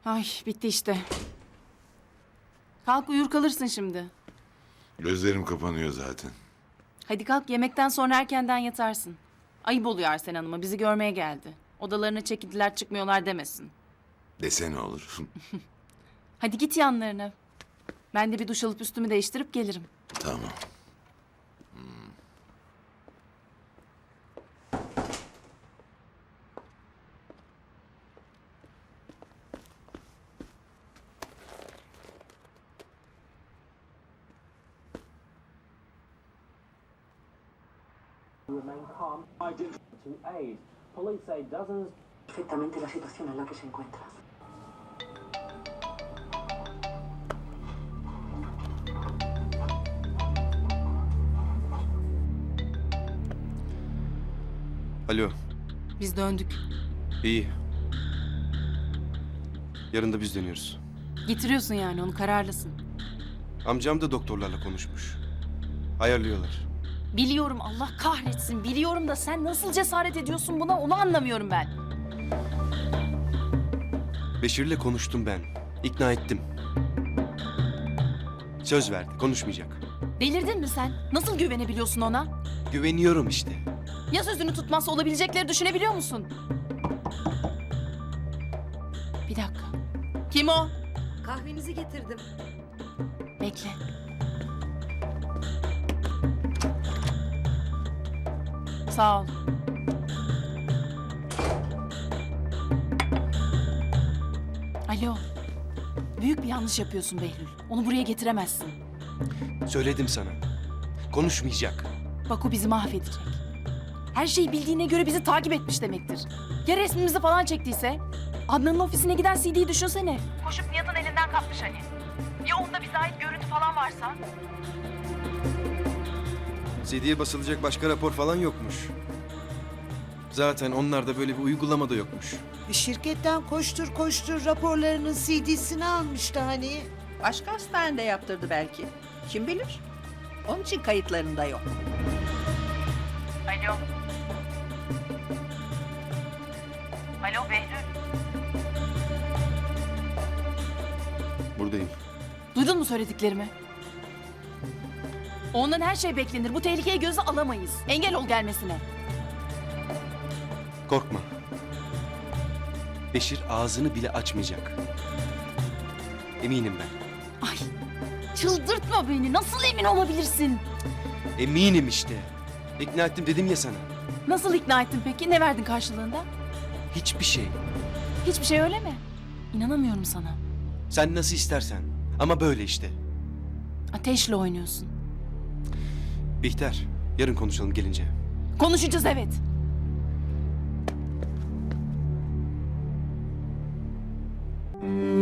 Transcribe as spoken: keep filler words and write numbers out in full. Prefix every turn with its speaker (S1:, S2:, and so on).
S1: Ay bitti işte. Kalk uyur kalırsın şimdi.
S2: Gözlerim kapanıyor zaten.
S1: Hadi kalk yemekten sonra erkenden yatarsın. Ayıp oluyor Arsen Hanım'a bizi görmeye geldi. Odalarına çekildiler çıkmıyorlar demesin.
S2: Dese ne olur?
S1: Hadi git yanlarına. Ben de bir duş alıp üstümü değiştirip gelirim.
S2: Tamam.
S3: Remain calm. Identity to aid. Police say dozens.
S4: Perfectamente la situación en la que se encuentra.
S5: Alo,
S1: Biz döndük.
S5: iyi. Yarın da biz dönüyoruz.
S1: Getiriyorsun yani onu kararlısın.
S5: Amcam da doktorlarla konuşmuş. Ayarlıyorlar.
S1: Biliyorum Allah kahretsin biliyorum da sen nasıl cesaret ediyorsun buna onu anlamıyorum ben.
S5: Beşir'le konuştum ben. İkna ettim. Söz verdi, konuşmayacak.
S1: Delirdin mi sen? Nasıl güvenebiliyorsun ona?
S5: Güveniyorum işte.
S1: Ya sözünü tutmazsa olabilecekleri düşünebiliyor musun? Bir dakika. Kim o?
S4: Kahvenizi getirdim.
S1: Bekle. Sağ ol. Alo. Büyük bir yanlış yapıyorsun Behlül. Onu buraya getiremezsin.
S5: Söyledim sana. Konuşmayacak.
S1: Bak o bizi mahvedecek. Her şeyi bildiğine göre bizi takip etmiş demektir. Ya resmimizi falan çektiyse? Adnan'ın ofisine giden C D'yi düşünsene. Koşup Nihat'ın elinden kapmış hani. Ya onda bize ait görüntü falan varsa?
S5: C D'ye basılacak başka rapor falan yokmuş. Zaten onlarda böyle bir uygulama da yokmuş.
S6: Şirketten koştur koştur raporlarının C D'sini almıştı hani.
S7: Başka hastanede yaptırdı belki. Kim bilir? Onun için kayıtlarında yok.
S1: Alo. Alo Behlül.
S5: Buradayım.
S1: Duydun mu söylediklerimi? Ondan her şey beklenir. Bu tehlikeyi göze alamayız. Engel ol gelmesine.
S5: Korkma. Beşir ağzını bile açmayacak. Eminim ben.
S1: Ay çıldırtma beni. Nasıl emin olabilirsin?
S5: Eminim işte. İkna ettim dedim ya sana.
S1: Nasıl ikna ettin peki? Ne verdin karşılığında?
S5: Hiçbir şey.
S1: Hiçbir şey öyle mi? İnanamıyorum sana.
S5: Sen nasıl istersen. Ama böyle işte.
S1: Ateşle oynuyorsun.
S5: Bihter, yarın konuşalım gelince.
S1: Konuşacağız evet.
S5: Müzik